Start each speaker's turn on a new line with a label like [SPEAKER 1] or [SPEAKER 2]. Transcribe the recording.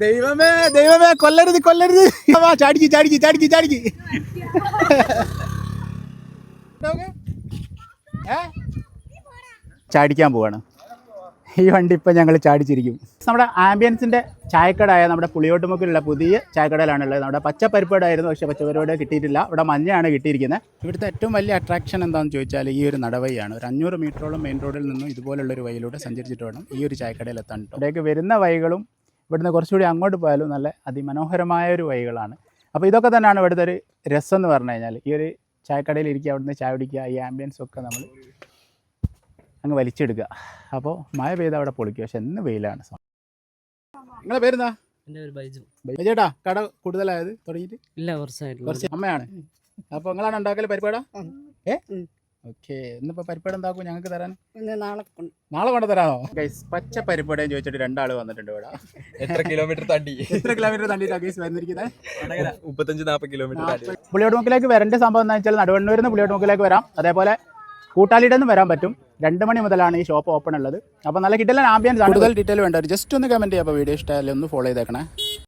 [SPEAKER 1] ദൈവമേ ദൈവമേ കൊല്ലരുത് കൊല്ലരുത് ചാടിക്ക് ചാടിക്ക് ചാടിക്ക് ചാടിക്ക് ചാടിക്കാൻ പോവാണ് ഈ വണ്ടി ഇപ്പം ഞങ്ങൾ ചാടിച്ചിരിക്കും. നമ്മുടെ ആംബിയൻസിൻ്റെ ചായക്കടയായ നമ്മുടെ പുളിയോട്ടുമുക്കിലുള്ള പുതിയ ചായക്കടയിലാണുള്ളത്. നമ്മുടെ പച്ചപ്പരിപ്പാടായിരുന്നു, പക്ഷേ പച്ചപ്പരിപ്പാട് കിട്ടിയിട്ടില്ല. ഇവിടെ മഞ്ഞയാണ് കിട്ടിയിരിക്കുന്നത്. ഇവിടുത്തെ ഏറ്റവും വലിയ അട്രാക്ഷൻ എന്താണെന്ന് ചോദിച്ചാൽ ഈ ഒരു നടവഴിയാണ്. ഒരു 500 മീറ്ററോളം മെയിൻ റോഡിൽ നിന്നും ഇതുപോലുള്ളൊരു വഴിയിലൂടെ സഞ്ചരിച്ചിട്ട് വേണം ഈ ഒരു ചായക്കടയിൽ എത്താൻ. ഇവിടേക്ക് വരുന്ന വഴികളും ഇവിടുന്ന് കുറച്ചുകൂടി അങ്ങോട്ട് പോയാലും നല്ല അതിമനോഹരമായ ഒരു വഴികളാണ്. അപ്പോൾ ഇതൊക്കെ തന്നെയാണ് ഇവിടുത്തെ ഒരു രസം എന്ന് പറഞ്ഞു കഴിഞ്ഞാൽ. ഈ ഒരു ചായക്കടയിൽ ഇരിക്കുക, അവിടുന്ന് ചായ കുടിക്കുക, ഈ ആംബിയൻസൊക്കെ നമ്മൾ അങ്ങ് വലിച്ചെടുക്കുക. അപ്പോൾ മഴ പെയ്താൽ അവിടെ പൊളിക്കുക, പക്ഷെ എന്ന് വെയിലാണ്. നിങ്ങളെ പേരെന്താ?
[SPEAKER 2] എൻ്റെ പേര് ബൈജു.
[SPEAKER 1] ബൈജേട്ടാ, കട കൂടുതലായത് തുടങ്ങിയിട്ട്?
[SPEAKER 2] ഇല്ല, കുറച്ചായിട്ട്.
[SPEAKER 1] കുറച്ച് അമ്മയാണ്. അപ്പോൾ നിങ്ങളാണ് ഉണ്ടാക്കല് പരിപ്പാടാ? ഓക്കെ, ഇന്നിപ്പോൾ പരിപ്പാട് എന്താക്കും ഞങ്ങൾക്ക് തരാൻ? നാളെ കൊണ്ട് തരാമോ? ഗൈസ്, പച്ച പരിപ്പാടേന്ന് ചോദിച്ചിട്ട് 2 ആൾ വന്നിട്ടുണ്ട് ഇവിടെ.
[SPEAKER 3] എത്ര കിലോമീറ്റർ
[SPEAKER 1] തണ്ടിയിട്ടാണ് ഗൈസ് വന്നിരിക്കുന്നത്?
[SPEAKER 3] 35-40 കിലോമീറ്റർ.
[SPEAKER 1] പുളിയോട്ടുമുക്കിലേക്ക് വരേണ്ട സംഭവം എന്താ വെച്ചാൽ നടുവണ്ണൂരിൽ നിന്ന് പുളിയോട്ടുമുക്കിലേക്ക് വരാം. അതേപോലെ കൂട്ടാലിയിൽ നിന്ന് വരാൻ പറ്റും. 2 മണി മുതലാണ് ഈ ഷോപ്പ് ഓപ്പൺ ഉള്ളത്. അപ്പോൾ നല്ല കിട്ടൽ ആംബിയൻസ് ആണ്. കൂടുതൽ ഡീറ്റെയിൽ വേണ്ട ജസ്റ്റ് ഒന്ന് കമൻറ്റ് ചെയ്യുക. അപ്പോൾ വീഡിയോ ഇഷ്ടമായാലും ഒന്ന് ഫോളോ ചെയ്തേക്കണേ.